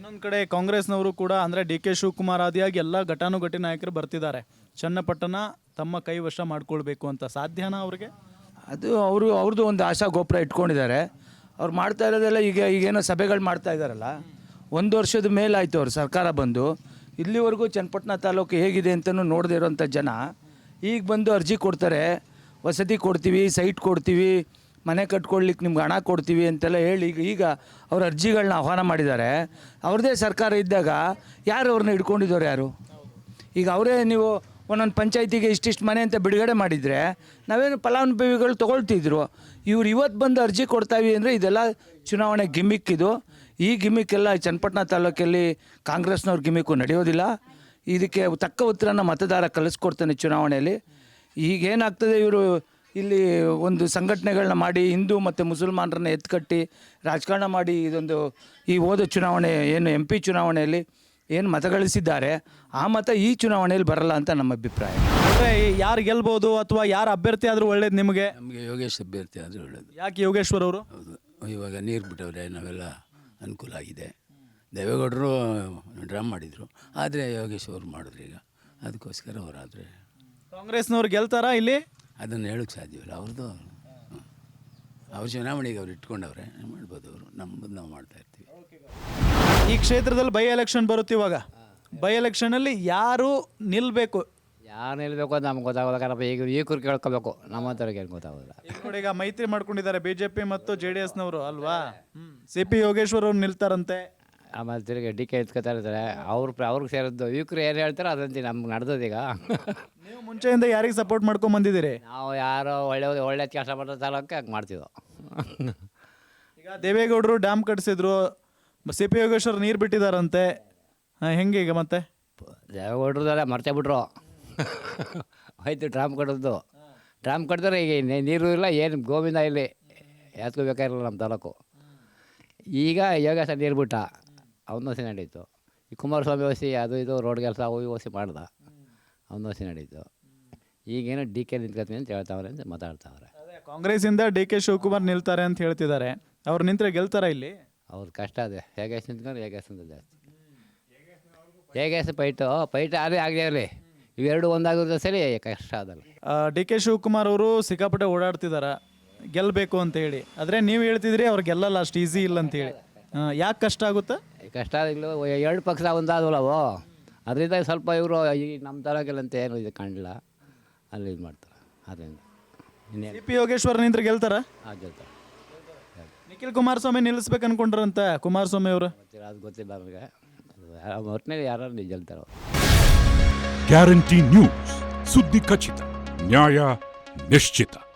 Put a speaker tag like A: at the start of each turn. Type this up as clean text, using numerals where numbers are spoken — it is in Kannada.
A: ಇನ್ನೊಂದು ಕಡೆ ಕಾಂಗ್ರೆಸ್ನವರು ಕೂಡ ಅಂದರೆ ಡಿ ಕೆ ಶಿವಕುಮಾರ್ ಆದಿಯಾಗಿ ಎಲ್ಲ ಘಟಾನುಘಟಿ ನಾಯಕರು ಬರ್ತಿದ್ದಾರೆ. ಚನ್ನಪಟ್ಟಣ ತಮ್ಮ ಕೈವಶ ಮಾಡ್ಕೊಳ್ಬೇಕು ಅಂತ ಸಾಧ್ಯನಾ ಅವ್ರಿಗೆ?
B: ಅದು ಅವ್ರದ್ದು ಒಂದು ಆಶಾ ಗೋಪುರ ಇಟ್ಕೊಂಡಿದ್ದಾರೆ. ಅವ್ರು ಮಾಡ್ತಾ ಇರೋದೆಲ್ಲ ಈಗೇನೋ ಸಭೆಗಳು ಮಾಡ್ತಾ ಇದ್ದಾರಲ್ಲ, 1 ವರ್ಷದ ಮೇಲಾಯಿತು ಅವ್ರು ಸರ್ಕಾರ ಬಂದು. ಇಲ್ಲಿವರೆಗೂ ಚನ್ನಪಟ್ಟಣ ತಾಲೂಕು ಹೇಗಿದೆ ಅಂತಲೂ ನೋಡದೇ ಇರೋಂಥ ಜನ ಈಗ ಬಂದು ಅರ್ಜಿ ಕೊಡ್ತಾರೆ. ವಸತಿ ಕೊಡ್ತೀವಿ, ಸೈಟ್ ಕೊಡ್ತೀವಿ, ಮನೆ ಕಟ್ಕೊಳ್ಲಿಕ್ಕೆ ನಿಮ್ಗೆ ಹಣ ಕೊಡ್ತೀವಿ ಅಂತೆಲ್ಲ ಹೇಳಿ ಈಗ ಅವ್ರ ಅರ್ಜಿಗಳನ್ನ ಆಹ್ವಾನ ಮಾಡಿದ್ದಾರೆ. ಅವ್ರದ್ದೇ ಸರ್ಕಾರ ಇದ್ದಾಗ ಯಾರು ಅವ್ರನ್ನ ಹಿಡ್ಕೊಂಡಿದ್ದವ್ರು ಯಾರು? ಈಗ ಅವರೇ ನೀವು ಒಂದೊಂದು ಪಂಚಾಯತಿಗೆ ಇಷ್ಟಿಷ್ಟು ಮನೆ ಅಂತ ಬಿಡುಗಡೆ ಮಾಡಿದರೆ ನಾವೇನು ಫಲಾನುಭವಿಗಳು ತೊಗೊಳ್ತಿದ್ರು. ಇವ್ರು ಇವತ್ತು ಬಂದು ಅರ್ಜಿ ಕೊಡ್ತಾವಿ ಅಂದರೆ ಇದೆಲ್ಲ ಚುನಾವಣೆ ಗಿಮಿಕ್. ಇದು ಈ ಗಿಮಿಕ್ಕೆಲ್ಲ ಚನ್ನಪಟ್ಟಣ ತಾಲೂಕಲ್ಲಿ ಕಾಂಗ್ರೆಸ್ನವ್ರ ಗಿಮಿಕ್ಕು ನಡೆಯೋದಿಲ್ಲ. ಇದಕ್ಕೆ ತಕ್ಕ ಉತ್ತರನ ಮತದಾರ ಕಲಿಸ್ಕೊಡ್ತಾನೆ ಚುನಾವಣೆಯಲ್ಲಿ. ಈಗೇನಾಗ್ತದೆ, ಇವರು ಇಲ್ಲಿ ಒಂದು ಸಂಘಟನೆಗಳನ್ನ ಮಾಡಿ ಹಿಂದೂ ಮತ್ತು ಮುಸಲ್ಮಾನರನ್ನ ಎತ್ಕಟ್ಟಿ ರಾಜಕಾರಣ ಮಾಡಿ ಈ ಹೋದ ಚುನಾವಣೆ ಏನು MP ಚುನಾವಣೆಯಲ್ಲಿ ಏನು ಮತ ಗಳಿಸಿದ್ದಾರೆ ಆ ಮತ ಈ ಚುನಾವಣೆಯಲ್ಲಿ ಬರಲ್ಲ ಅಂತ ನಮ್ಮ ಅಭಿಪ್ರಾಯ.
A: ಅಂದರೆ ಯಾರು ಗೆಲ್ಬೋದು ಅಥವಾ ಯಾರು ಅಭ್ಯರ್ಥಿ ಆದರೂ ಒಳ್ಳೇದು ನಿಮಗೆ?
C: ನಮಗೆ ಯೋಗೇಶ್ ಅಭ್ಯರ್ಥಿ ಆದರೆ ಒಳ್ಳೆಯದು.
A: ಯಾಕೆ ಯೋಗೇಶ್ವರ್ ಅವರು?
C: ಹೌದು, ಇವಾಗ ನೀರು ಬಿಟ್ಟವ್ರೆ, ನಾವೆಲ್ಲ ಅನುಕೂಲ ಆಗಿದೆ. ದೇವೇಗೌಡರು ಡ್ರಾಮ್ ಮಾಡಿದರು, ಆದರೆ ಯೋಗೇಶ್ ಅವರು ಮಾಡಿದ್ರು. ಈಗ ಅದಕ್ಕೋಸ್ಕರ ಅವರಾದರೆ
A: ಕಾಂಗ್ರೆಸ್ನವ್ರು ಗೆಲ್ತಾರಾ ಇಲ್ಲಿ?
C: ಅದನ್ನು ಹೇಳೋಕ್ಕೆ ಸಾಧ್ಯವಿಲ್ಲ. ಅವ್ರದ್ದು ಅವ್ರ ಚುನಾವಣೆಗೆ ಅವ್ರು ಇಟ್ಕೊಂಡವ್ರೆ, ಮಾಡ್ಬೋದು. ಅವರು ನಮ್ಮದು ನಾವು ಮಾಡ್ತಾಯಿರ್ತೀವಿ.
A: ಈ ಕ್ಷೇತ್ರದಲ್ಲಿ ಬೈ ಎಲೆಕ್ಷನ್ ಬರುತ್ತೆ. ಇವಾಗ ಬೈ ಎಲೆಕ್ಷನಲ್ಲಿ ಯಾರು ನಿಲ್ಲಬೇಕು?
D: ಯಾರು ನಿಲ್ಲಬೇಕು ಅಂತ ನಮ್ಗೆ ಗೊತ್ತಾಗೋಲ್ಲ. ಕಾರಣ ಈಗ ಕೇಳ್ಕೋಬೇಕು, ನಮ್ಮ ಹತ್ರಕ್ಕೆ ಏನು ಗೊತ್ತಾಗೋದಿಲ್ಲ.
A: ಈಗ ಮೈತ್ರಿ ಮಾಡ್ಕೊಂಡಿದ್ದಾರೆ BJP ಮತ್ತು JDSನವರು ಅಲ್ವಾ? CP ಯೋಗೇಶ್ವರ್ ಅವ್ರು ನಿಲ್ತಾರಂತೆ.
D: ಆಮೇಲೆ ತಿರುಗಿ DK ಎತ್ಕೊತಾ ಇರ್ತಾರೆ. ಅವ್ರಿಗೆ ಸೇರಿದ್ದು ಯುವಕರು ಏನು ಹೇಳ್ತಾರೆ ಅದಂತೆ ನಮ್ಗೆ ನಡೆದದೀಗ.
A: ನೀವು ಮುಂಚೆಯಿಂದ ಯಾರಿಗೆ ಸಪೋರ್ಟ್ ಮಾಡ್ಕೊಂಡು ಬಂದಿದ್ದೀರಿ?
D: ನಾವು ಯಾರೋ ಒಳ್ಳೆ ಕೆಲಸ ಮಾಡೋ ತಾಲೂಕೆ ಹಂಗೆ ಮಾಡ್ತಿದ್ದೋ.
A: ಈಗ ದೇವೇಗೌಡರು ಡ್ಯಾಮ್ ಕಟ್ಟಿಸಿದ್ರು, CP ಯೋಗೇಶ್ವರ್ ನೀರು ಬಿಟ್ಟಿದ್ದಾರಂತೆ. ಹೆಂಗೆ ಈಗ ಮತ್ತೆ?
D: ದೇವೇಗೌಡ್ರದಲ್ಲ ಮರ್ತೇ ಬಿಟ್ರು. ಆಯ್ತು ಡ್ರಾಮ್ ಕಟ್ಟೋದು. ಡ್ರಾಮ್ ಕಟ್ಟಿದ್ರೆ ಈಗ ನೀರು ಇಲ್ಲ, ಏನು ಗೋವಿಂದ ಇಲ್ಲಿ ಎತ್ಕೋಬೇಕಾಗಿರಲ್ಲ ನಮ್ಮ ತಾಲೂಕು. ಈಗ ಯೋಗೇಶ ನೀರು ಬಿಟ್ಟ, ಅವನೋಸಿ ನಡೀತು. ಈ ಕುಮಾರಸ್ವಾಮಿ ಓಸಿ ಅದು ಇದು ರೋಡ್ ಕೆಲಸ ಓಸಿ ಮಾಡ್ದ, ಅವನೋಸಿ ನಡೀತು. ಈಗೇನು DK ನಿಂತ್ಕೊತೀನಿ ಅಂತ ಹೇಳ್ತಾವ್ರೆ ಅಂತ ಮಾತಾಡ್ತಾವ್ರೆ.
A: ಕಾಂಗ್ರೆಸ್ಸಿಂದ DK ಶಿವಕುಮಾರ್ ನಿಲ್ತಾರೆ ಅಂತ ಹೇಳ್ತಿದ್ದಾರೆ. ಅವ್ರು ನಿಂತರೆ ಗೆಲ್ತಾರ ಇಲ್ಲಿ?
D: ಅವ್ರು ಕಷ್ಟ ಅದೇ. ಹೇಗೇಶ್ ನಿಂತ್ಕೊಂಡು ಹೇಗೇಶಿಂದ ಜಾಸ್ತಿ. ಹೇಗೇಶ್ ಪೈಟು ಅದೇ ಆಗಲಿ ಇರಲಿ, ಇವೆರಡು ಒಂದಾಗೋದ್ರೆ ಸರಿ, ಕಷ್ಟ ಅದಲ್ಲ.
A: DK ಶಿವಕುಮಾರ್ ಅವರು ಸಿಕ್ಕಾಪಟ್ಟೆ ಓಡಾಡ್ತಿದ್ದಾರೆ ಗೆಲ್ಲಬೇಕು ಅಂತ ಹೇಳಿ. ಆದರೆ ನೀವು ಹೇಳ್ತಿದ್ರಿ ಅವ್ರು ಗೆಲ್ಲಲ್ಲ, ಅಷ್ಟು ಈಸಿ ಇಲ್ಲ ಅಂತೇಳಿ. ಯಾಕೆ ಕಷ್ಟ ಆಗುತ್ತೆ?
D: ಕಷ್ಟ ಆಗಲಿಲ್ಲ, 2 ಪಕ್ಷ ಒಂದಾದವಲ್ಲವು, ಅದರಿಂದ ಸ್ವಲ್ಪ ಇವರು ಈ ನಮ್ಮ ತಾಲೂಕಲ್ಲಂತ ಏನು ಇದು ಕಾಣಲಿಲ್ಲ, ಅಲ್ಲಿ ಇದು ಮಾಡ್ತಾರೆ. ಅದರಿಂದ ಇನ್ನೇನು
A: CP ಯೋಗೇಶ್ವರ್ ನಿಂತ್ರೆ ಗೆಲ್ತಾರ?
D: ಜೊತೆ
A: ನಿಖಿಲ್ ಕುಮಾರಸ್ವಾಮಿ ನಿಲ್ಲಿಸ್ಬೇಕು ಅನ್ಕೊಂಡ್ರಂತ ಕುಮಾರಸ್ವಾಮಿ ಅವರು.
D: ಅದು ಗೊತ್ತಿಲ್ಲ ನಮಗೆ. ಒಟ್ಟಿನಲ್ಲಿ ಯಾರು ಗೆಲ್ತಾರೋ.
E: ಗ್ಯಾರಂಟಿ ನ್ಯೂಸ್, ಸುದ್ದಿ ಖಚಿತ, ನ್ಯಾಯ ನಿಶ್ಚಿತ.